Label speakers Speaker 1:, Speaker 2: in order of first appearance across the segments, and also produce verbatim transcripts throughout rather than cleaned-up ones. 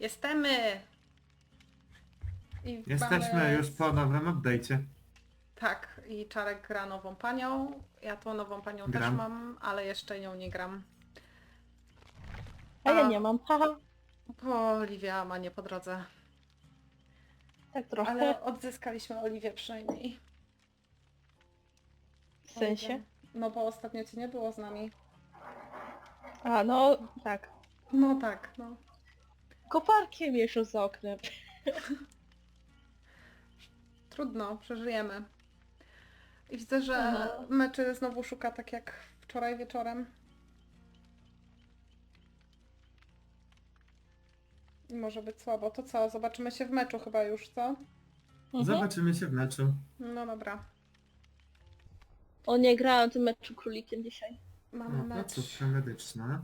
Speaker 1: Jesteśmy! I
Speaker 2: Jesteśmy
Speaker 1: mamy...
Speaker 2: już po nowym update'cie.
Speaker 1: Tak, i Czarek gra nową panią. Ja tą nową panią
Speaker 2: Gram.
Speaker 1: też mam, ale jeszcze nią nie gram.
Speaker 3: A ja nie mam, haha.
Speaker 1: Bo Oliwia ma nie po drodze.
Speaker 3: Tak trochę.
Speaker 1: Ale odzyskaliśmy Oliwię przynajmniej.
Speaker 3: W sensie?
Speaker 1: No bo ostatnio cię nie było z nami.
Speaker 3: A, no tak.
Speaker 1: No tak, no.
Speaker 3: Koparkiem jeszcze za oknem.
Speaker 1: Trudno, przeżyjemy. I widzę, że
Speaker 3: Aha.
Speaker 1: meczy znowu szuka tak jak wczoraj wieczorem. I może być słabo. To co? Zobaczymy się w meczu chyba już, co?
Speaker 3: Mhm.
Speaker 2: Zobaczymy się w meczu.
Speaker 1: No dobra.
Speaker 3: O, nie grałem w tym meczu królikiem dzisiaj.
Speaker 1: Mamy
Speaker 2: No,
Speaker 1: mecz.
Speaker 2: placówka medyczna.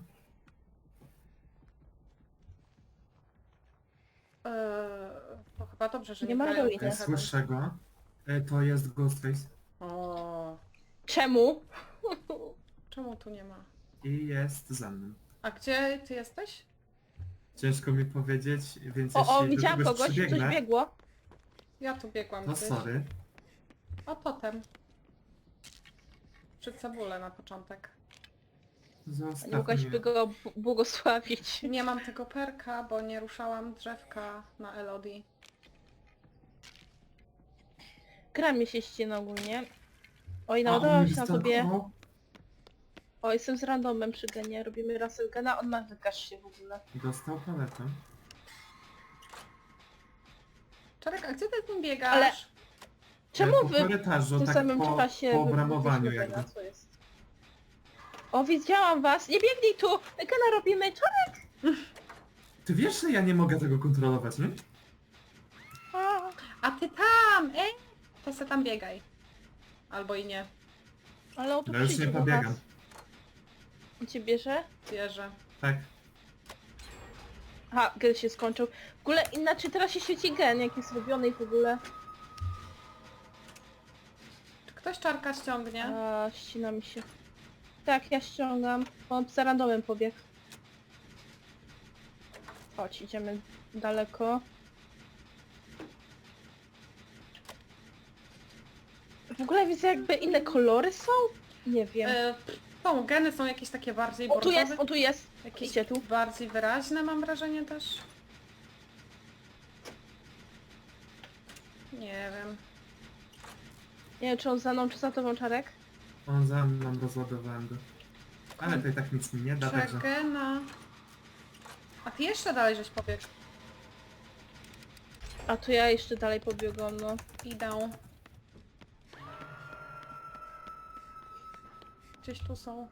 Speaker 1: Eee, to chyba dobrze, że nie,
Speaker 3: Nie ma
Speaker 1: grają w
Speaker 3: Halloween.
Speaker 2: E,
Speaker 1: Heaven.
Speaker 2: Słyszę go. E, To jest Ghostface.
Speaker 1: O,
Speaker 3: Czemu?
Speaker 1: czemu tu nie ma?
Speaker 2: I jest za mną.
Speaker 1: A gdzie ty jesteś?
Speaker 2: Ciężko mi powiedzieć, więc
Speaker 3: O, o,
Speaker 2: jeśli do
Speaker 3: widziałam
Speaker 2: kogoś
Speaker 3: kogoś, coś
Speaker 2: przybiegnę,
Speaker 3: biegło.
Speaker 1: Ja tu biegłam
Speaker 2: to
Speaker 1: gdzieś.
Speaker 2: sorry.
Speaker 1: A potem. Przy cebulę na początek.
Speaker 3: Nie
Speaker 2: Zostaw
Speaker 3: mogłaś by
Speaker 2: mnie.
Speaker 3: go b- błogosławić.
Speaker 1: Nie mam tego perka, bo nie ruszałam drzewka na Elodie.
Speaker 3: Gra mi się ścina ogólnie. Oj,
Speaker 2: A,
Speaker 3: naładowałam
Speaker 2: on
Speaker 3: się na
Speaker 2: mnie
Speaker 3: tobie.
Speaker 2: stalkował?
Speaker 3: O, jestem z randomem przy genie. Robimy Russellgena, on ma wykaż się w ogóle.
Speaker 2: Dostał paletę.
Speaker 1: Czarek, a gdzie ty z nim biegasz?
Speaker 3: Ale- Czemu
Speaker 2: E, po
Speaker 3: wy
Speaker 2: korytarzu,
Speaker 3: w tym
Speaker 2: tak
Speaker 3: samym
Speaker 2: po,
Speaker 3: czasie
Speaker 2: po
Speaker 3: wy-
Speaker 2: obramowaniu
Speaker 3: wyszły
Speaker 2: jakby.
Speaker 3: Gena? Co jest? O, widziałam was! Nie biegnij tu! Gena robimy! Czarek!
Speaker 2: Ty wiesz, że ja nie mogę tego kontrolować, nie?
Speaker 3: A,
Speaker 1: A ty tam! Ej! To se tam biegaj. Albo i nie.
Speaker 3: ale on tu
Speaker 2: No już
Speaker 3: przyjdzie
Speaker 2: nie
Speaker 3: do
Speaker 2: pobiegam.
Speaker 3: was. On cię bierze?
Speaker 1: Wierzę.
Speaker 2: Tak.
Speaker 3: Aha, gen się skończył. W ogóle inaczej teraz się świeci gen, jak jest robiony i w ogóle.
Speaker 1: Czy ktoś Czarka ściągnie?
Speaker 3: A, ścina mi się. Tak, ja ściągam. On za randomem pobiegł. Chodź, idziemy daleko. W ogóle widzę jakby inne kolory są? Nie wiem.
Speaker 1: E, są, geny są jakieś takie bardziej
Speaker 3: O, tu jest,
Speaker 1: bordowe.
Speaker 3: on tu jest.
Speaker 1: Jakieś
Speaker 3: Idzie tu.
Speaker 1: bardziej wyraźne mam wrażenie też. Nie wiem.
Speaker 3: Nie wiem, czy on za mną, czy za tobą, Czarek?
Speaker 2: On za mną, rozładowałem go. Ale to i tak nic mi nie da, także...
Speaker 1: Czekena. A ty jeszcze dalej żeś pobiegł.
Speaker 3: A to ja jeszcze dalej pobiegłam, no.
Speaker 1: Idę. Gdzieś tu są.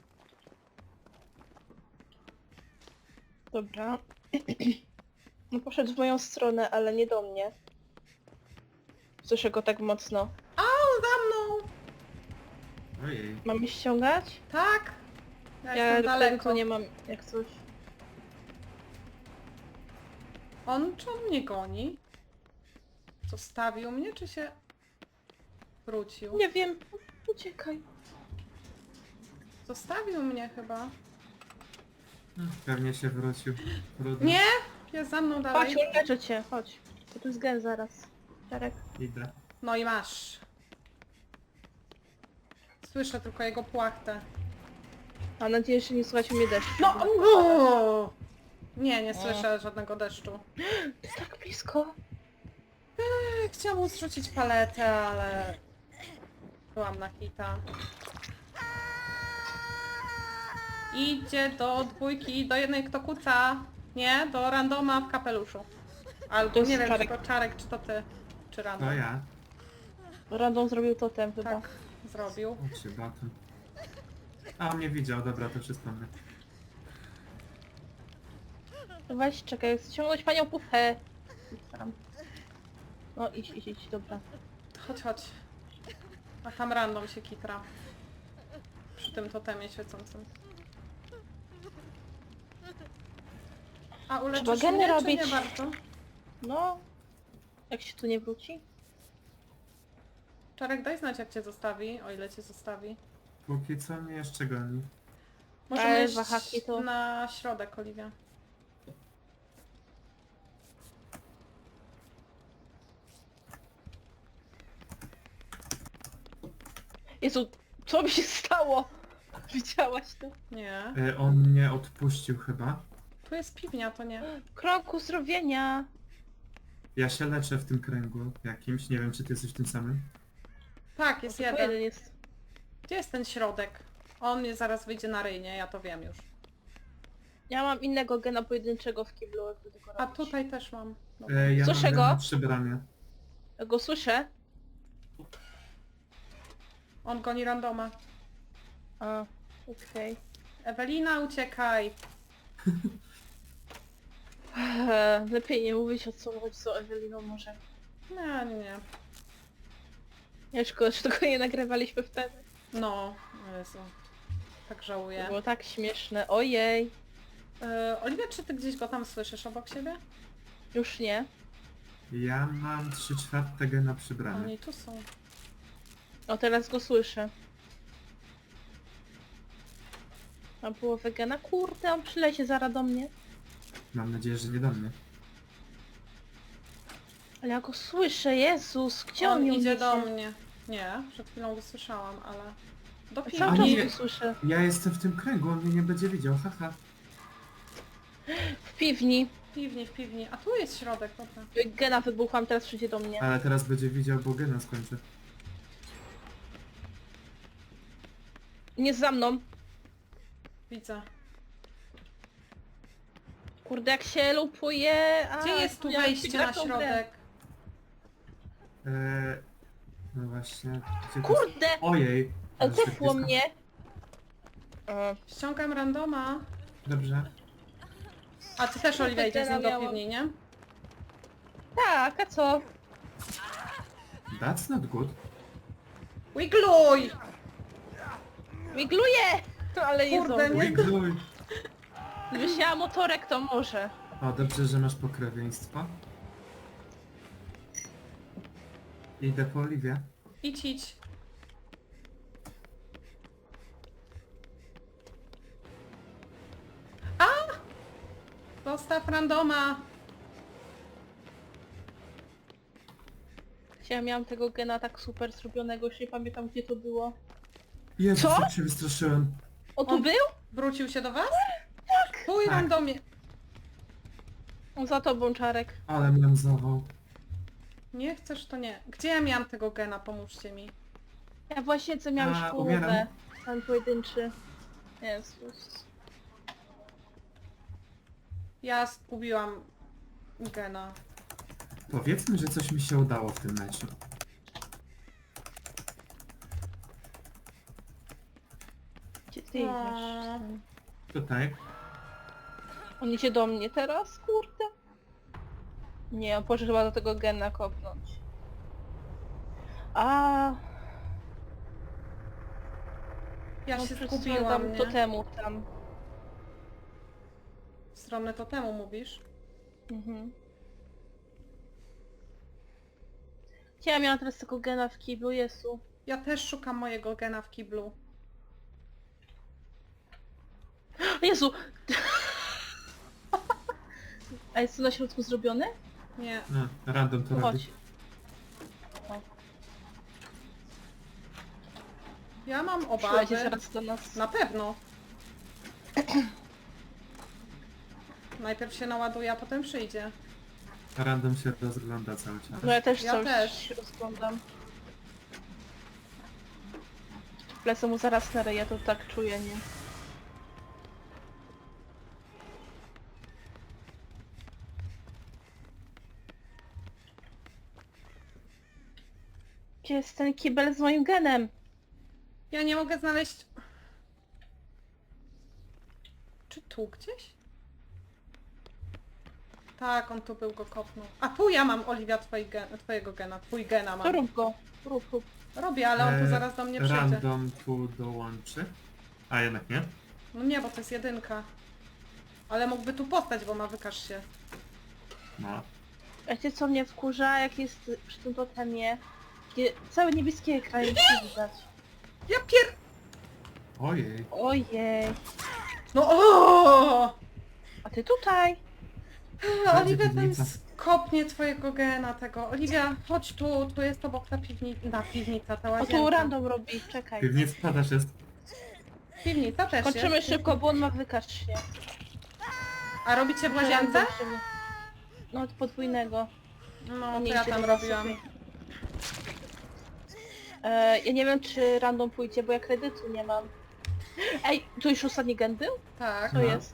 Speaker 3: Dobra. No poszedł w moją stronę, ale nie do mnie. Słyszę go tak mocno.
Speaker 1: O, za mną!
Speaker 2: Ojej.
Speaker 3: Mamy ściągać?
Speaker 1: Tak! Ja,
Speaker 3: Ja
Speaker 1: jestem daleko.
Speaker 3: daleko nie mam jak coś.
Speaker 1: On czy on mnie goni? Zostawił mnie, czy się wrócił?
Speaker 3: Nie wiem. Uciekaj.
Speaker 1: Zostawił mnie chyba.
Speaker 2: Pewnie się wrócił. Trudno.
Speaker 1: Nie! Jest za mną dalej.
Speaker 3: Chodź, uleczę cię, chodź. Bo tu jest gen zaraz. Czarek.
Speaker 2: Idę.
Speaker 1: No i masz. Słyszę tylko jego płachtę.
Speaker 3: Mam nadzieję, że nie słuchać mnie deszczu.
Speaker 1: No! o! Nie, nie słyszę żadnego deszczu.
Speaker 3: To jest tak blisko.
Speaker 1: Chciałam mu zrzucić paletę, ale... Byłam na hita. Idzie do dwójki, do jednej kto kuca. Nie, do randoma w kapeluszu. Albo
Speaker 3: To jest
Speaker 1: nie wiem,
Speaker 3: Czarek.
Speaker 1: czy to Czarek, czy to ty. Czy random.
Speaker 2: To ja.
Speaker 3: Random zrobił totem chyba.
Speaker 1: Tak, zrobił.
Speaker 2: O się batem. A on mnie widział, dobra, to wszystko mnie.
Speaker 3: Weź, czekaj, chcę ciągnąć panią pufę. Staram. No idź, idź, idź, dobra.
Speaker 1: Chodź, chodź. A tam random się kitra. Przy tym totemie świecącym. A uleczysz
Speaker 3: Trzeba geny
Speaker 1: mnie, czy
Speaker 3: robić.
Speaker 1: nie bardzo?
Speaker 3: No. Jak się tu nie wróci?
Speaker 1: Czarek, daj znać jak cię zostawi, o ile cię zostawi.
Speaker 2: Póki co mnie jeszcze goni.
Speaker 1: Możemy
Speaker 3: Ej,
Speaker 1: iść
Speaker 3: wahaki to-
Speaker 1: na środek, Oliwia.
Speaker 3: Jezu, co mi się stało? Widziałaś to?
Speaker 1: Nie.
Speaker 2: E, on mnie odpuścił chyba.
Speaker 1: Tu jest piwnia, to nie.
Speaker 3: Krok uzdrowienia.
Speaker 2: Ja się leczę w tym kręgu jakimś, nie wiem czy ty jesteś w tym samym.
Speaker 1: Tak, jest
Speaker 3: O, tylko
Speaker 1: jeden.
Speaker 3: jeden jest.
Speaker 1: Gdzie jest ten środek? On mnie zaraz wyjdzie na ryj, nie? Ja to wiem już.
Speaker 3: Ja mam innego gena pojedynczego w kiblu, jakby tego
Speaker 1: A
Speaker 3: robić.
Speaker 1: tutaj też mam. Dobra.
Speaker 2: E, ja
Speaker 3: Słyszę
Speaker 2: mam
Speaker 3: go.
Speaker 2: na przybranie.
Speaker 3: Ja go słyszę.
Speaker 1: On goni randoma.
Speaker 3: A, okej.
Speaker 1: Ewelina, uciekaj!
Speaker 3: Eee, Lepiej nie mówić o co chodzi z Eweliną może.
Speaker 1: Nie, nie, nie.
Speaker 3: Nie, szkoda, że tego nie nagrywaliśmy wtedy.
Speaker 1: No, Jezu. Tak
Speaker 3: To
Speaker 1: żałuję.
Speaker 3: było tak śmieszne. Ojej.
Speaker 1: Yy, Oliwia, czy ty gdzieś go tam słyszysz obok siebie?
Speaker 3: Już nie.
Speaker 2: Ja mam trzy czwarte gena przybrane.
Speaker 1: Oni tu są.
Speaker 3: O, teraz go słyszę. Mam połowę gena. Kurde, on przylecie zaraz do mnie.
Speaker 2: Mam nadzieję, że nie do mnie.
Speaker 3: Ale ja go słyszę, Jezus, gdzie on,
Speaker 1: On
Speaker 3: ją
Speaker 1: idzie
Speaker 3: niesie?
Speaker 1: do mnie. Nie, przed chwilą go słyszałam, ale... Do
Speaker 3: A cały
Speaker 2: A
Speaker 3: czas
Speaker 2: nie.
Speaker 3: go słyszę.
Speaker 2: Ja jestem w tym kręgu, on mnie nie będzie widział, haha.
Speaker 3: W piwni.
Speaker 1: W piwni, w piwni. A tu jest środek, dobra.
Speaker 3: Gena wybuchłam, teraz przyjdzie do mnie.
Speaker 2: Ale teraz będzie widział, bo gena skończę.
Speaker 3: Nie za mną.
Speaker 1: Widzę.
Speaker 3: Kurde, jak się lupuje. A,
Speaker 1: Gdzie jest tu
Speaker 3: ja
Speaker 1: wejście
Speaker 3: gra
Speaker 1: na
Speaker 3: w tą grę.
Speaker 1: środek?
Speaker 2: E, no właśnie, gdzie to...
Speaker 3: Kurde!
Speaker 2: Ojej. ale tak
Speaker 3: Zepło
Speaker 2: blisko.
Speaker 3: mnie. E,
Speaker 1: Ściągam randoma.
Speaker 2: Dobrze.
Speaker 1: A ty też, Oliwia, idziesz z nim do
Speaker 3: Miałam.
Speaker 1: piwni, nie?
Speaker 3: tak, a co?
Speaker 2: That's not good.
Speaker 1: Wigluj!
Speaker 3: Migluję! Ale nie
Speaker 1: Kurde,
Speaker 3: zdążę.
Speaker 1: nie.
Speaker 2: Wigluj.
Speaker 3: Gdybyś miała motorek, to może.
Speaker 2: O, dobrze, że masz pokrewieństwo. Idę po Oliwię.
Speaker 1: Idź, idź. A! Zostaw randoma!
Speaker 3: Ja miałam tego gena tak super zrobionego, już nie pamiętam gdzie to było.
Speaker 2: Jezus,
Speaker 3: Co?
Speaker 2: jak się wystraszyłem.
Speaker 3: O, tu
Speaker 1: On-
Speaker 3: był?
Speaker 1: Wrócił się do was? Tak! Pój
Speaker 2: Tak.
Speaker 1: randomie.
Speaker 3: On za tobą, Czarek.
Speaker 2: Ale mnie zawał.
Speaker 1: Nie chcesz, to nie. Gdzie ja miałam tego gena? Pomóżcie mi.
Speaker 3: Ja właśnie co miałam
Speaker 2: A,
Speaker 3: już
Speaker 2: umieram.
Speaker 3: połowę. Ten pojedynczy. Jezus.
Speaker 1: Ja zgubiłam gena.
Speaker 2: Powiedzmy, że coś mi się udało w tym meczu.
Speaker 3: Gdzie ty
Speaker 1: O.
Speaker 3: idziesz?
Speaker 2: Tutaj.
Speaker 3: On idzie do mnie teraz, kurde. Nie, on poszedł chyba do tego gena kopnąć. A,
Speaker 1: Ja
Speaker 3: no
Speaker 1: się
Speaker 3: przez
Speaker 1: zgubiłam,
Speaker 3: tam
Speaker 1: nie?
Speaker 3: totemu tam.
Speaker 1: W stronę totemu mówisz?
Speaker 3: Mhm. Ja miałam teraz tego gena w kiblu, Jezu.
Speaker 1: Ja też szukam mojego gena w kiblu.
Speaker 3: Jezu! A jest to na środku zrobione?
Speaker 1: Nie.
Speaker 2: No, random to
Speaker 3: No
Speaker 2: robi.
Speaker 3: chodź. O,
Speaker 1: Ja mam
Speaker 3: przyleci
Speaker 1: obawy.
Speaker 3: zaraz do nas.
Speaker 1: Na pewno. Najpierw się naładuje, a potem przyjdzie.
Speaker 2: Random się rozgląda cały czas.
Speaker 3: No ja też
Speaker 1: Ja
Speaker 3: coś
Speaker 1: też.
Speaker 3: się rozglądam. Lecę mu zaraz na ryja, to tak czuję, nie? Gdzie jest ten kibel z moim genem?
Speaker 1: Ja nie mogę znaleźć... Czy tu gdzieś? Tak, on tu był, go kopnął. A tu ja mam, Oliwia, twoi gen, twojego gena. Twój gena
Speaker 3: To
Speaker 1: mam.
Speaker 3: rób go. Rób, rób.
Speaker 1: Robię, ale on tu
Speaker 2: E,
Speaker 1: zaraz do mnie przyjdzie.
Speaker 2: Random tu dołączy. A jednak nie.
Speaker 1: No nie, bo to jest jedynka. Ale mógłby tu postać, bo ma wykaż się.
Speaker 2: No.
Speaker 3: Wiecie co mnie wkurza, jak jest przy tym totemie? Takie całe niebieskie ekrany nie widać.
Speaker 1: Ja pier...
Speaker 2: Ojej.
Speaker 3: Ojej.
Speaker 1: No o!
Speaker 3: A ty tutaj?
Speaker 1: Oliwia tam
Speaker 2: piwnica.
Speaker 1: z kopnie twojego gena tego. Oliwia, chodź tu, tu jest obok ta piwnica, na piwnica, ta
Speaker 3: O
Speaker 1: łazienka.
Speaker 3: tu random robi, czekaj.
Speaker 2: Piwnica też jest.
Speaker 1: Piwnica też
Speaker 3: Kończymy
Speaker 1: jest.
Speaker 3: szybko, bo on ma wykacznie.
Speaker 1: A robicie w łazience?
Speaker 3: No od podwójnego.
Speaker 1: No, to
Speaker 3: nie
Speaker 1: ja
Speaker 3: idzie
Speaker 1: tam
Speaker 3: do nas,
Speaker 1: robiłam.
Speaker 3: okej. E, ja nie wiem czy random pójdzie, bo ja kredytu nie mam. Ej, tu już ostatni gen był?
Speaker 1: Tak.
Speaker 3: To
Speaker 2: No.
Speaker 3: jest.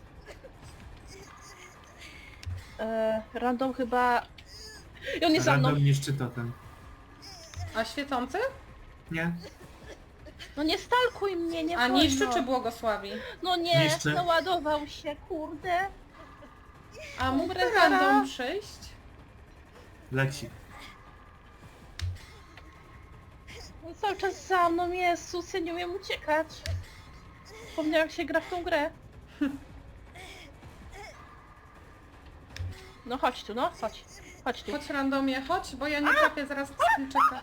Speaker 3: E, random chyba... I on jest za mną.
Speaker 2: Random niszczy totem.
Speaker 1: A świecący?
Speaker 2: Nie?
Speaker 3: No nie stalkuj mnie, nie
Speaker 1: A
Speaker 3: wolno.
Speaker 1: niszczy czy błogosławi?
Speaker 3: No nie,
Speaker 2: Niszczy.
Speaker 3: naładował się, kurde.
Speaker 1: A mógł
Speaker 3: Umrę
Speaker 1: random
Speaker 3: zaraz.
Speaker 1: przyjść?
Speaker 2: Leci.
Speaker 3: On cały czas za mną jest, sus, ja nie umiem uciekać. Wspomniałam jak się gra w tą grę. No chodź tu, no, chodź. Chodź tu.
Speaker 1: Chodź randomie, chodź, bo ja nie trafię zaraz skrzynczyka.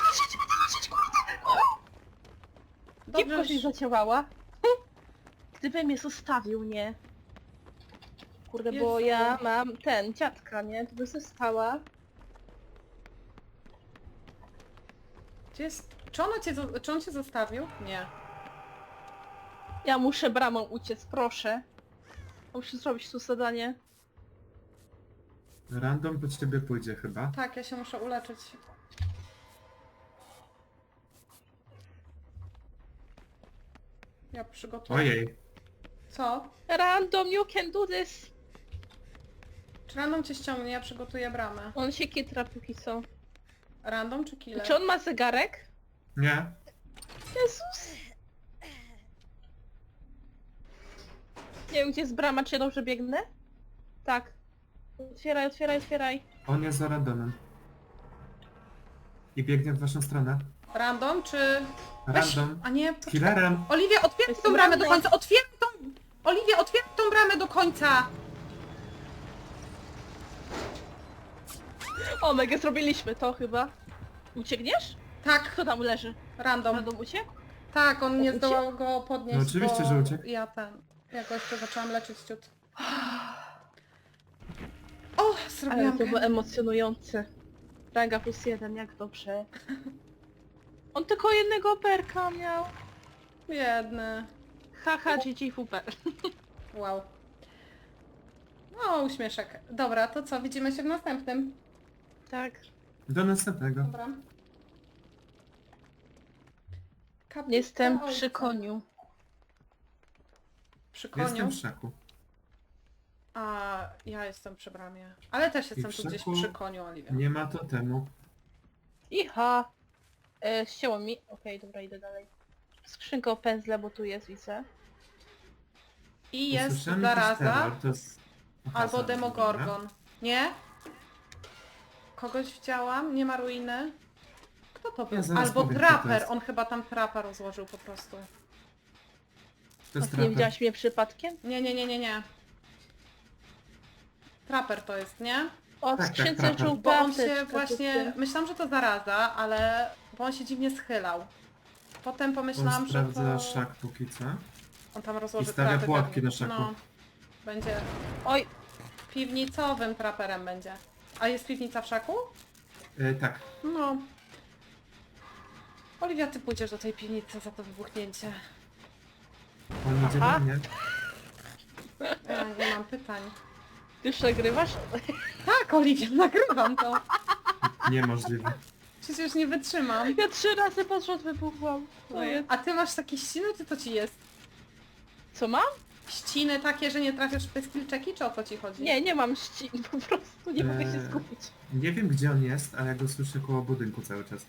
Speaker 3: Gipko
Speaker 1: Dobrze,
Speaker 3: się zaciąłała. Gdyby mnie zostawił, nie? Kurde, bo
Speaker 1: Jezu.
Speaker 3: ja mam ten, dziadka, nie? To by została.
Speaker 1: gdzie jest... Czy, ono cię, zo- czy on cię zostawił? Nie.
Speaker 3: Ja muszę bramą uciec, proszę. Muszę zrobić tu zadanie.
Speaker 2: Random po ciebie pójdzie chyba.
Speaker 1: Tak, ja się muszę uleczyć. Ja przygotuję.
Speaker 2: Ojej.
Speaker 1: Co?
Speaker 3: Random, you can do this!
Speaker 1: Czy random cię ściągnie? Ja przygotuję bramę.
Speaker 3: On się kitra póki co.
Speaker 1: Random czy killer?
Speaker 3: Czy on ma zegarek?
Speaker 2: Nie?
Speaker 3: Jezus! Nie wiem gdzie jest brama, czy ja dobrze biegnę? Tak. Otwieraj, otwieraj, otwieraj.
Speaker 2: On jest za randomem. I biegnie w waszą stronę.
Speaker 1: Random czy... Weź-
Speaker 2: Random.
Speaker 1: A nie...
Speaker 2: Z killerem.
Speaker 1: Oliwia, otwieraj
Speaker 3: Jest
Speaker 1: tą bramę do
Speaker 3: random.
Speaker 1: końca! Otwieraj tą... Oliwia, otwieraj tą bramę do końca!
Speaker 3: O, mega zrobiliśmy to chyba. Uciekniesz?
Speaker 1: Tak,
Speaker 3: Kto tam leży?
Speaker 1: random.
Speaker 3: Random uciekł?
Speaker 1: Tak, on nie
Speaker 3: Uciekł?
Speaker 1: zdołał go podnieść,
Speaker 2: No oczywiście,
Speaker 1: bo
Speaker 2: że uciekł.
Speaker 1: ja ten... Ja go jeszcze zaczęłam leczyć ciut. O,
Speaker 3: Ale
Speaker 1: zrobiłam
Speaker 3: to
Speaker 1: go.
Speaker 3: było emocjonujące. Ranga plus jeden, jak dobrze. On tylko jednego perka miał.
Speaker 1: Biedny.
Speaker 3: Haha, G G Fuper.
Speaker 1: Wow. No, uśmieszek. Dobra, to co? Widzimy się w następnym.
Speaker 3: Tak.
Speaker 2: Do następnego.
Speaker 1: Dobra. Kapitan
Speaker 3: Jestem
Speaker 1: ojca.
Speaker 3: przy koniu.
Speaker 1: Przy koniu?
Speaker 2: Jestem w szaku.
Speaker 1: A ja jestem przy bramie. Ale też jestem
Speaker 2: w
Speaker 1: tu gdzieś
Speaker 2: szaku
Speaker 1: przy koniu, Oliwia.
Speaker 2: Nie ma totemu.
Speaker 3: Iha! E, ścięło mi. Okej, dobra, idę dalej. Skrzynka o pędzle, bo tu jest, widzę.
Speaker 1: I jest
Speaker 2: Usłyszałem jakiś
Speaker 1: zaraza
Speaker 2: terror, to jest... Aha,
Speaker 1: albo
Speaker 2: zaraz,
Speaker 1: demogorgon. Nie? Kogoś widziałam? Nie ma ruiny? Kto to był?
Speaker 2: Ja zaraz
Speaker 1: Albo
Speaker 2: powiem, kto to
Speaker 1: traper.
Speaker 2: jest.
Speaker 1: On chyba tam trapa rozłożył po prostu.
Speaker 2: To
Speaker 3: A
Speaker 2: jest
Speaker 3: ty nie
Speaker 2: trapper.
Speaker 3: widziałaś mnie przypadkiem?
Speaker 1: Nie, nie, nie, nie, nie. Traper to jest, nie?
Speaker 3: O, w
Speaker 2: Tak, tak,
Speaker 3: skrzynce
Speaker 2: trapa.
Speaker 3: żółta
Speaker 1: Bo on
Speaker 3: apteczka,
Speaker 1: się właśnie...
Speaker 3: dziewczyny.
Speaker 1: Myślałam, że to zaraza, ale... Bo on się dziwnie schylał. Potem pomyślałam,
Speaker 2: On
Speaker 1: że
Speaker 2: sprawdza
Speaker 1: to...
Speaker 2: szak póki co.
Speaker 1: On tam rozłoży
Speaker 2: I stawia
Speaker 1: trapy
Speaker 2: pułapki
Speaker 1: pewnie.
Speaker 2: na szaku.
Speaker 1: No. Będzie...
Speaker 3: Oj,
Speaker 1: Piwnicowym traperem będzie. A jest piwnica w szaku?
Speaker 2: E, tak.
Speaker 1: No. Oliwia, ty pójdziesz do tej piwnicy za to wybuchnięcie.
Speaker 2: On idzie
Speaker 3: Aha.
Speaker 2: do mnie.
Speaker 1: Ja nie mam pytań.
Speaker 3: ty już nagrywasz?
Speaker 1: Tak, Oliwia, nagrywam to.
Speaker 2: Niemożliwe.
Speaker 1: Przecież nie wytrzymam.
Speaker 3: Ja trzy razy pod rząd wybuchłam. To jest...
Speaker 1: A ty masz takie ściny, czy to ci jest?
Speaker 3: Co mam?
Speaker 1: Ściny takie, że nie trafiasz w te skillczeki, czy o co ci chodzi?
Speaker 3: Nie, nie mam ścin, po prostu nie mogę się
Speaker 2: Eee.
Speaker 3: skupić.
Speaker 2: Nie wiem gdzie on jest, ale ja go słyszę koło budynku cały czas.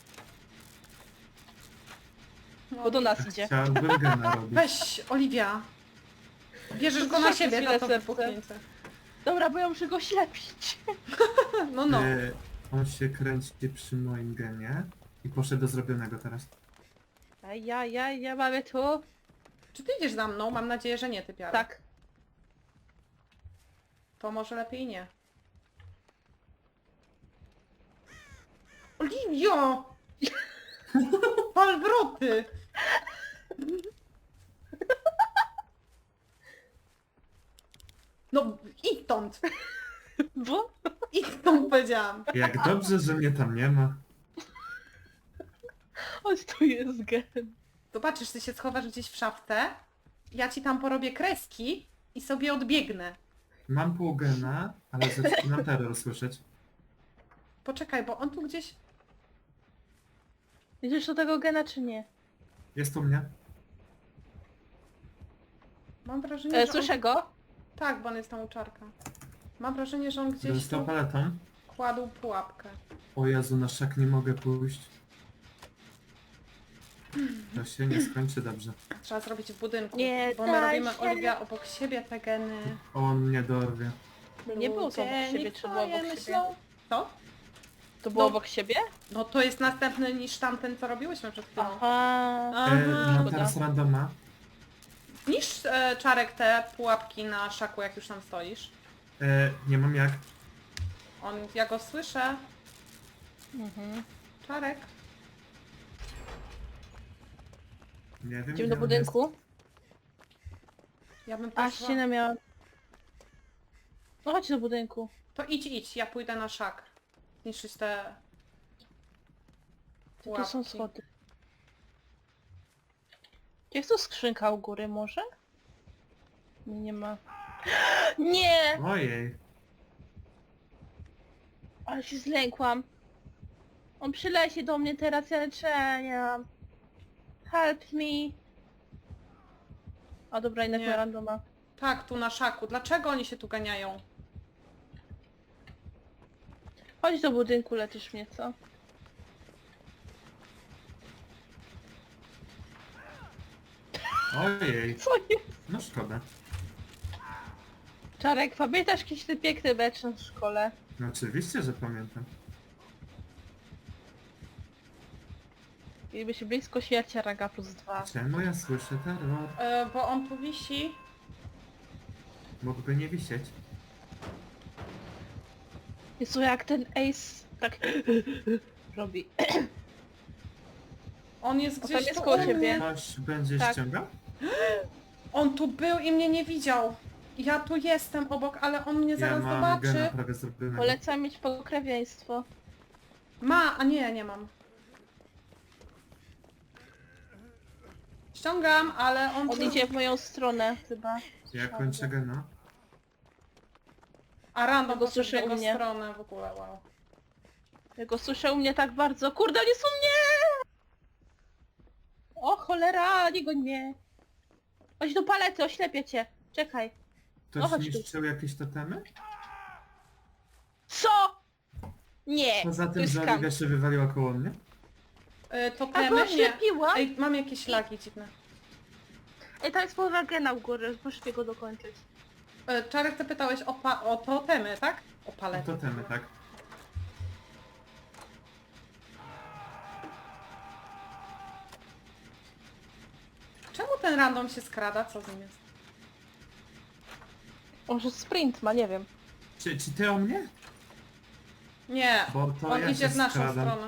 Speaker 1: No,
Speaker 3: Bo do nas idzie.
Speaker 2: Chciałbym gena robić.
Speaker 1: Weź, Oliwia. Bierzesz go na
Speaker 3: Przez
Speaker 1: siebie
Speaker 3: chwilę
Speaker 1: za to
Speaker 3: serce.
Speaker 1: wybuchnięcie.
Speaker 3: Dobra, bo ja muszę go ślepić.
Speaker 1: No, no.
Speaker 2: E, on się kręci przy moim genie i poszedł do zrobionego teraz.
Speaker 3: Aj, aj, aj, ja mamy tu.
Speaker 1: Czy ty idziesz za mną? Mam nadzieję, że nie, ty piara.
Speaker 3: Tak.
Speaker 1: To może lepiej nie. Oliwio! Palwroty! No, idź stąd!
Speaker 3: Bo?
Speaker 1: I to mu powiedziałam.
Speaker 2: Jak dobrze, że mnie tam nie ma.
Speaker 3: Chodź, tu jest gen.
Speaker 1: Zobaczysz, ty się schowasz gdzieś w szafce, ja ci tam porobię kreski i sobie odbiegnę.
Speaker 2: Mam pół gena, ale zaczynam terror słyszeć.
Speaker 1: Poczekaj, bo on tu gdzieś...
Speaker 3: Idziesz do tego gena, czy nie?
Speaker 2: Jest u mnie.
Speaker 1: Mam wrażenie,
Speaker 3: E,
Speaker 1: że
Speaker 3: słyszę
Speaker 1: on...
Speaker 3: go?
Speaker 1: Tak, bo on jest tam u czarka. Mam wrażenie, że on gdzieś
Speaker 2: Dostał
Speaker 1: tu
Speaker 2: paletą.
Speaker 1: kładł pułapkę.
Speaker 2: O Jezu, na szak nie mogę pójść. To się nie skończy dobrze.
Speaker 1: Trzeba zrobić w budynku,
Speaker 3: Nie,
Speaker 1: bo my
Speaker 3: daj
Speaker 1: robimy,
Speaker 3: się.
Speaker 1: Oliwia, obok siebie te geny.
Speaker 2: On mnie dorwie.
Speaker 3: No nie było to obok
Speaker 1: Ludzie,
Speaker 3: siebie,
Speaker 1: niech
Speaker 3: czy było
Speaker 1: twoje
Speaker 3: obok siebie?
Speaker 1: myślą. Co?
Speaker 3: To było
Speaker 1: No.
Speaker 3: obok siebie?
Speaker 1: No to jest następny niż tamten, co robiłyśmy przed chwilą.
Speaker 3: Aha.
Speaker 1: Aha.
Speaker 2: E, mam
Speaker 3: szkoda.
Speaker 2: teraz randoma.
Speaker 1: Niż e, Czarek te pułapki na szaku, jak już tam stoisz.
Speaker 2: E, nie mam jak.
Speaker 1: On, ja go słyszę.
Speaker 3: Mhm.
Speaker 1: Czarek.
Speaker 2: Nie wiem.
Speaker 3: Idziemy
Speaker 2: gdzie
Speaker 3: do
Speaker 2: on
Speaker 3: budynku.
Speaker 1: Ja bym
Speaker 3: A,
Speaker 1: poszła...
Speaker 3: ścianę miała... No chodź do budynku.
Speaker 1: To idź, idź, ja pójdę na szak. Zniszczyć te...
Speaker 3: Tu są
Speaker 1: pułapki.
Speaker 3: schody. Jest tu skrzynka u góry może? Nie, nie ma. Nie!
Speaker 2: jest? Ojej.
Speaker 3: Ale się zlękłam. On przyleci do mnie teraz, ja leczenia. Help me. A dobra, jednak
Speaker 1: Nie.
Speaker 3: ma randoma.
Speaker 1: Tak, tu na szaku. Dlaczego oni się tu ganiają?
Speaker 3: Chodź do budynku, leczysz mnie, co?
Speaker 2: Ojej.
Speaker 3: Co jest?
Speaker 2: No szkoda.
Speaker 3: Czarek, pamiętasz kiedyś ten piękny mecz w szkole?
Speaker 2: No oczywiście, że pamiętam.
Speaker 3: Mieliby się blisko śmierci, a ranga plus dwa.
Speaker 2: Czemu ja słyszę terror?
Speaker 1: E, bo on tu wisi.
Speaker 2: Mógłby nie wisieć.
Speaker 3: Jezu, jak ten ace tak robi.
Speaker 1: On jest
Speaker 3: tam
Speaker 1: gdzieś
Speaker 3: jest
Speaker 1: tu
Speaker 3: koło
Speaker 1: u
Speaker 3: ciebie.
Speaker 1: mnie.
Speaker 2: Ktoś będzie
Speaker 3: Tak.
Speaker 2: ściągał?
Speaker 1: On tu był i mnie nie widział. Ja tu jestem obok, ale on mnie
Speaker 2: Ja
Speaker 1: zaraz
Speaker 2: mam
Speaker 1: zobaczy.
Speaker 2: gena prawie zrobionego.
Speaker 3: Polecam mieć pokrewieństwo.
Speaker 1: Ma, a nie, nie mam. Ściągam, ale on...
Speaker 3: On
Speaker 1: tu-
Speaker 3: idzie w moją stronę chyba.
Speaker 2: Ja kończę gena.
Speaker 1: A random
Speaker 3: Ja go
Speaker 1: poszedł w
Speaker 3: słyszę u
Speaker 1: jego
Speaker 3: mnie.
Speaker 1: stronę w ogóle, wow.
Speaker 3: Ja go słyszę u mnie tak bardzo. Kurde, nie są mnie! O cholera, nie goń mnie. Chodź do palety, oślepię cię. Czekaj.
Speaker 2: Ktoś
Speaker 3: No chodź tu.
Speaker 2: niszczył jakieś totemy?
Speaker 3: Co? Nie,
Speaker 2: Poza
Speaker 3: to
Speaker 2: tym,
Speaker 3: jest
Speaker 2: że
Speaker 3: skam.
Speaker 2: Oliwia się wywaliła koło mnie?
Speaker 1: Y, to
Speaker 3: A go
Speaker 1: temy? Nie.
Speaker 3: oślepiłam?
Speaker 1: Ej, mam jakieś lagi dziwne.
Speaker 3: Ej, tam jest połowa gena u góry, muszę go dokończyć.
Speaker 1: Y, Czarek, ty pytałeś o, pa o totemy, tak? O
Speaker 2: No
Speaker 1: palety.
Speaker 2: totemy, tak.
Speaker 1: Czemu ten random się skrada? Co z nim jest?
Speaker 3: Może sprint ma, nie wiem.
Speaker 2: Czy, czy ty o mnie?
Speaker 1: Nie,
Speaker 2: Bo to
Speaker 1: on
Speaker 2: ja
Speaker 1: idzie
Speaker 2: się
Speaker 1: w naszą
Speaker 2: skradam.
Speaker 1: stronę.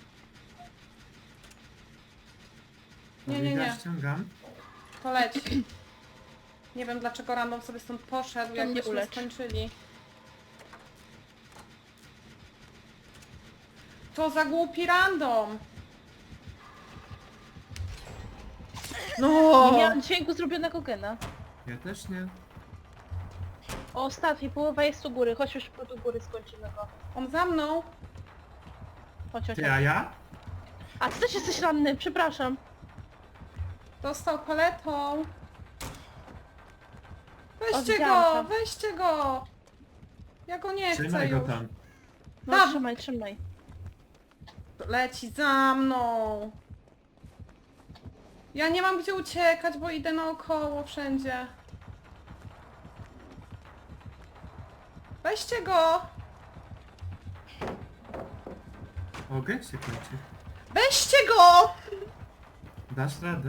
Speaker 1: Nie, nie,
Speaker 2: Oliwia
Speaker 1: nie.
Speaker 2: ściągam.
Speaker 1: To leci. Nie wiem dlaczego random sobie stąd poszedł, jak
Speaker 3: mnie
Speaker 1: byśmy
Speaker 3: ulecz.
Speaker 1: skończyli. To za głupi random! No!
Speaker 3: Nie miałam dźwięku zrobionego gena.
Speaker 2: Ja też nie.
Speaker 3: O, ostatni, połowa jest u góry. Chodź już do góry, skończymy go.
Speaker 1: On za mną!
Speaker 3: Chodź, chodź.
Speaker 2: Ty, a ja?
Speaker 3: A ty też jesteś ranny, przepraszam.
Speaker 1: Dostał paletą! Weźcie
Speaker 3: widziałam
Speaker 1: go!
Speaker 3: to.
Speaker 1: Weźcie go! Ja go nie chcę
Speaker 2: Trzymaj go
Speaker 1: już.
Speaker 2: tam.
Speaker 3: No
Speaker 1: Tam.
Speaker 3: trzymaj, trzymaj.
Speaker 1: Leci za mną! Ja nie mam gdzie uciekać, bo idę naokoło wszędzie. Weźcie go!
Speaker 2: O, gen się kończy.
Speaker 1: Weźcie go!
Speaker 2: Dasz radę.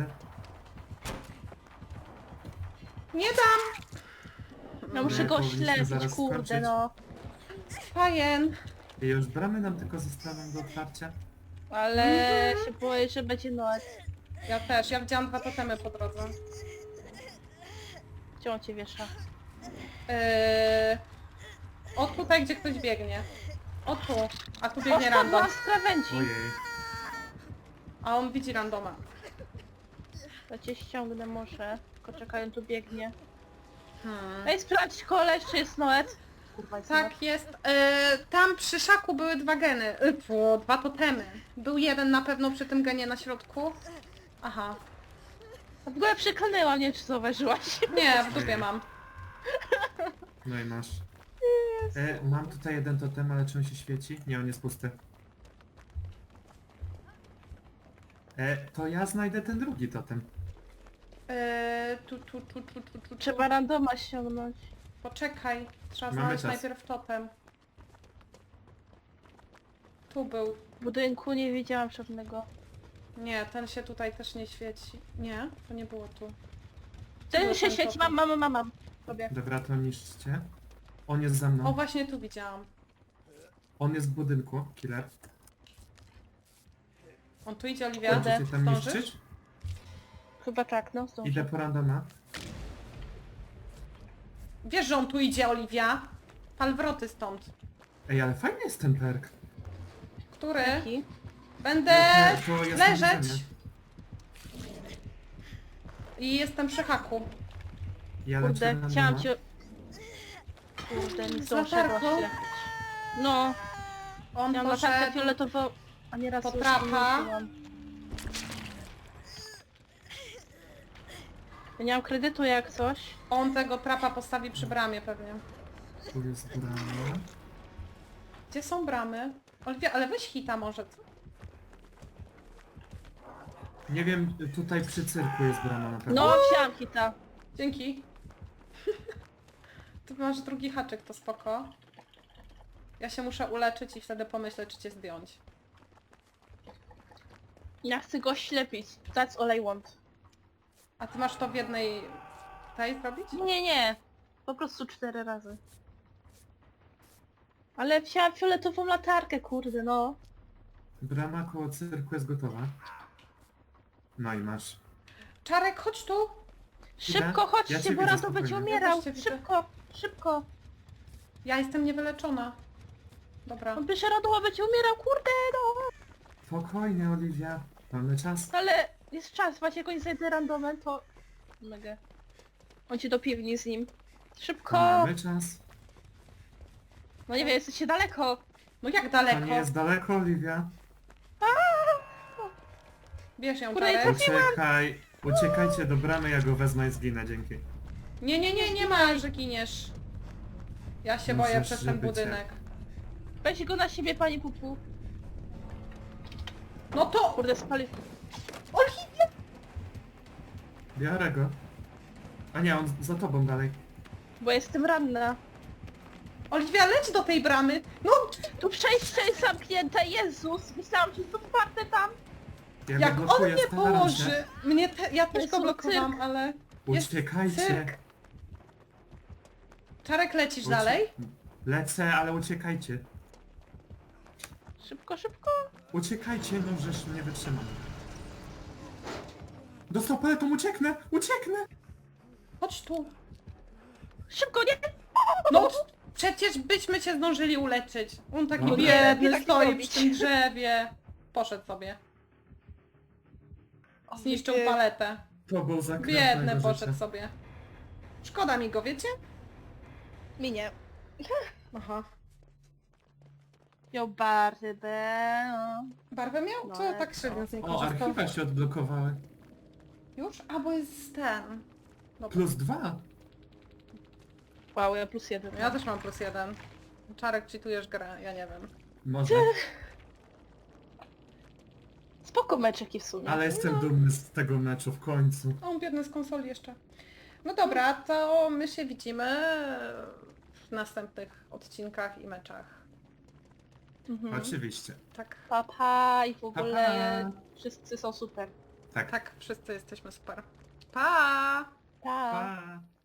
Speaker 1: Nie dam!
Speaker 3: No muszę
Speaker 2: Nie,
Speaker 3: go
Speaker 2: powinniśmy
Speaker 3: śledzić,
Speaker 2: zaraz
Speaker 3: kurde
Speaker 2: skończyć.
Speaker 3: no.
Speaker 1: Fajen!
Speaker 2: I już bramy nam tylko zostaną do otwarcia.
Speaker 3: Ale się boję, że będzie noc.
Speaker 1: Ja też, ja widziałam dwa totemy po drodze.
Speaker 3: Gdzie on cię wiesza?
Speaker 1: Yy... O tutaj, gdzie ktoś biegnie. O tu. A tu
Speaker 3: O,
Speaker 1: biegnie random.
Speaker 3: spadłam z krawędzi.
Speaker 2: Ojej.
Speaker 1: A on widzi randoma.
Speaker 3: To cię ściągnę może. Tylko czekaj, on tu biegnie.
Speaker 1: Hmm.
Speaker 3: Ej, sprawdź koleś, czy jest Noet. Kurwa, jest Noet.
Speaker 1: Tak jest. E, tam przy szaku były dwa geny. E, fu, dwa totemy. Był jeden na pewno przy tym genie na środku. Aha.
Speaker 3: W ogóle przeklnęłam, nie wiem czy zauważyłaś.
Speaker 1: Nie, w dupie mam.
Speaker 2: No i masz. E, mam tutaj jeden totem, ale czy on się świeci? Nie, on jest pusty. E, to ja znajdę ten drugi totem.
Speaker 1: E, tu, tu, tu, tu, tu, tu, tu.
Speaker 3: Trzeba randoma ściągnąć.
Speaker 1: Poczekaj. Trzeba
Speaker 2: Mamy
Speaker 1: znaleźć
Speaker 2: czas.
Speaker 1: najpierw totem. Tu był.
Speaker 3: W budynku nie widziałam żadnego.
Speaker 1: Nie, ten się tutaj też nie świeci. Nie, to nie było tu.
Speaker 3: Ten
Speaker 1: Był
Speaker 3: się
Speaker 1: ten
Speaker 3: świeci,
Speaker 1: totem.
Speaker 3: mam, mam, mam, mam. Sobie.
Speaker 2: Dobra, to niszczcie. On jest za
Speaker 1: O,
Speaker 2: mną.
Speaker 1: właśnie tu widziałam.
Speaker 2: On jest w budynku, killer.
Speaker 1: On tu idzie, Oliwia.
Speaker 2: Będziecie tam
Speaker 1: Zdążysz?
Speaker 2: niszczyć?
Speaker 3: Chyba tak, no zdążę.
Speaker 2: Idę po randoma.
Speaker 1: Wiesz, że on tu idzie, Oliwia? Pal wroty stąd.
Speaker 2: Ej, ale fajny jest ten perk.
Speaker 1: Który?
Speaker 3: Jaki?
Speaker 1: Będę
Speaker 2: Nie, to jest
Speaker 1: leżeć.
Speaker 2: niszczenie.
Speaker 1: I jestem przy haku.
Speaker 2: Ja lecę
Speaker 3: Kurde,
Speaker 2: randoma.
Speaker 3: chciałam cię... Kurde, nie
Speaker 1: Z
Speaker 3: zdążę
Speaker 1: latarką?
Speaker 3: właśnie. No,
Speaker 1: On
Speaker 3: miałam latarkę
Speaker 1: poszedł...
Speaker 3: fioletową, a nieraz już
Speaker 1: Potrapa.
Speaker 3: nie użyłam. Ja nie mam kredytu jak coś.
Speaker 1: On tego trapa postawi przy bramie pewnie.
Speaker 2: Tu jest brama.
Speaker 1: Gdzie są bramy? Oliwia, ale weź hita może, co?
Speaker 2: Nie wiem, tutaj przy cyrku jest brama na pewno.
Speaker 3: No, wziąłam hita.
Speaker 1: Dzięki. Tu masz drugi haczyk, to spoko. Ja się muszę uleczyć i wtedy pomyśleć, czy cię zdjąć.
Speaker 3: Ja chcę go ślepić. That's all I want.
Speaker 1: A ty masz to w jednej... tej zrobić?
Speaker 3: Nie, nie. Po prostu cztery razy. Ale wziąłam fioletową latarkę, kurde, no.
Speaker 2: Brama koło cyrku jest gotowa. No i masz.
Speaker 1: Czarek, chodź tu!
Speaker 3: Szybko
Speaker 2: Ja
Speaker 3: chodźcie,
Speaker 2: cię
Speaker 3: bo
Speaker 2: widzę
Speaker 3: Rando będzie
Speaker 2: spokojnie.
Speaker 3: umierał.
Speaker 1: Ja też cię widzę.
Speaker 3: Szybko, szybko.
Speaker 1: Ja jestem niewyleczona. Dobra.
Speaker 3: On by się Rando będzie umierał, kurde, no.
Speaker 2: Spokojnie, Oliwia. Mamy czas.
Speaker 3: Ale jest czas, właśnie jak oni znajdę randomem, to... Mega. On ci do piwni z nim. Szybko!
Speaker 2: Mamy czas.
Speaker 3: No nie wiem, jesteście daleko.
Speaker 1: No jak
Speaker 2: To
Speaker 1: daleko?
Speaker 2: nie jest daleko, Oliwia.
Speaker 1: Bierz ją,
Speaker 3: Kurde,
Speaker 1: Czarek.
Speaker 2: Uciekaj. Uciekajcie do bramy, ja go wezmę i zginę, dzięki.
Speaker 1: Nie, nie, nie, nie ma, że giniesz. Ja się boję
Speaker 2: Musisz
Speaker 1: przez ten
Speaker 2: żybyć,
Speaker 1: budynek.
Speaker 3: Weź go na siebie, pani Pupu.
Speaker 1: No to...
Speaker 3: Kurde, spali...
Speaker 1: Oliwia!
Speaker 2: Biorę go. A nie, on za tobą dalej.
Speaker 3: Bo jestem ranna.
Speaker 1: Oliwia, leć do tej bramy! No,
Speaker 3: Tu przejście jest zamknięte, Jezus! Myślałam, że jest otwarte tam.
Speaker 2: Ja
Speaker 1: jak
Speaker 2: go
Speaker 1: on
Speaker 2: blokuję,
Speaker 1: mnie
Speaker 2: staram się.
Speaker 1: położy... Mnie te... Ja też
Speaker 3: Jezu,
Speaker 1: go blokowałam,
Speaker 3: cyrk.
Speaker 1: ale... Jest
Speaker 2: Uciekajcie.
Speaker 1: cyrk. Czarek, lecisz
Speaker 2: Ucie-
Speaker 1: dalej?
Speaker 2: Lecę, ale uciekajcie.
Speaker 3: Szybko, szybko.
Speaker 2: Uciekajcie, no żeż nie wytrzymam. Dostał paletą, ucieknę! Ucieknę!
Speaker 1: Chodź tu.
Speaker 3: Szybko, nie!
Speaker 1: No, przecież byśmy cię zdążyli uleczyć. On taki
Speaker 2: No tak.
Speaker 1: biedny
Speaker 3: Nie, tak nie
Speaker 1: stoi
Speaker 3: robić.
Speaker 1: przy tym drzewie. Poszedł sobie. Zniszczył
Speaker 3: nie.
Speaker 1: paletę.
Speaker 2: To był zakręt
Speaker 1: Biedny
Speaker 2: mojego
Speaker 1: poszedł
Speaker 2: życia.
Speaker 1: sobie. Szkoda mi go, wiecie?
Speaker 3: Minie.
Speaker 1: Aha.
Speaker 3: Miał barbę.
Speaker 1: Barwę miał?
Speaker 3: No,
Speaker 1: Co tak średnio z niej
Speaker 2: O,
Speaker 1: korzystał?
Speaker 2: archiwa się odblokowały.
Speaker 1: Już? A, bo jest ten. Dobra.
Speaker 2: Plus dwa.
Speaker 3: Wow, ja plus jeden.
Speaker 1: Ja też mam plus jeden. Czarek, czytujesz grę, ja nie wiem.
Speaker 2: Może.
Speaker 3: Spoko meczeki w sumie.
Speaker 2: Ale jestem dumny z tego meczu w końcu.
Speaker 1: O, on biedny z konsoli jeszcze. No dobra, to my się widzimy w następnych odcinkach i meczach.
Speaker 3: Mhm.
Speaker 2: Oczywiście.
Speaker 1: Tak,
Speaker 3: Pa, pa i w
Speaker 2: Pa,
Speaker 3: ogóle wszyscy są super.
Speaker 2: Tak.
Speaker 1: tak, wszyscy jesteśmy super. Pa!
Speaker 3: Pa!
Speaker 2: Pa.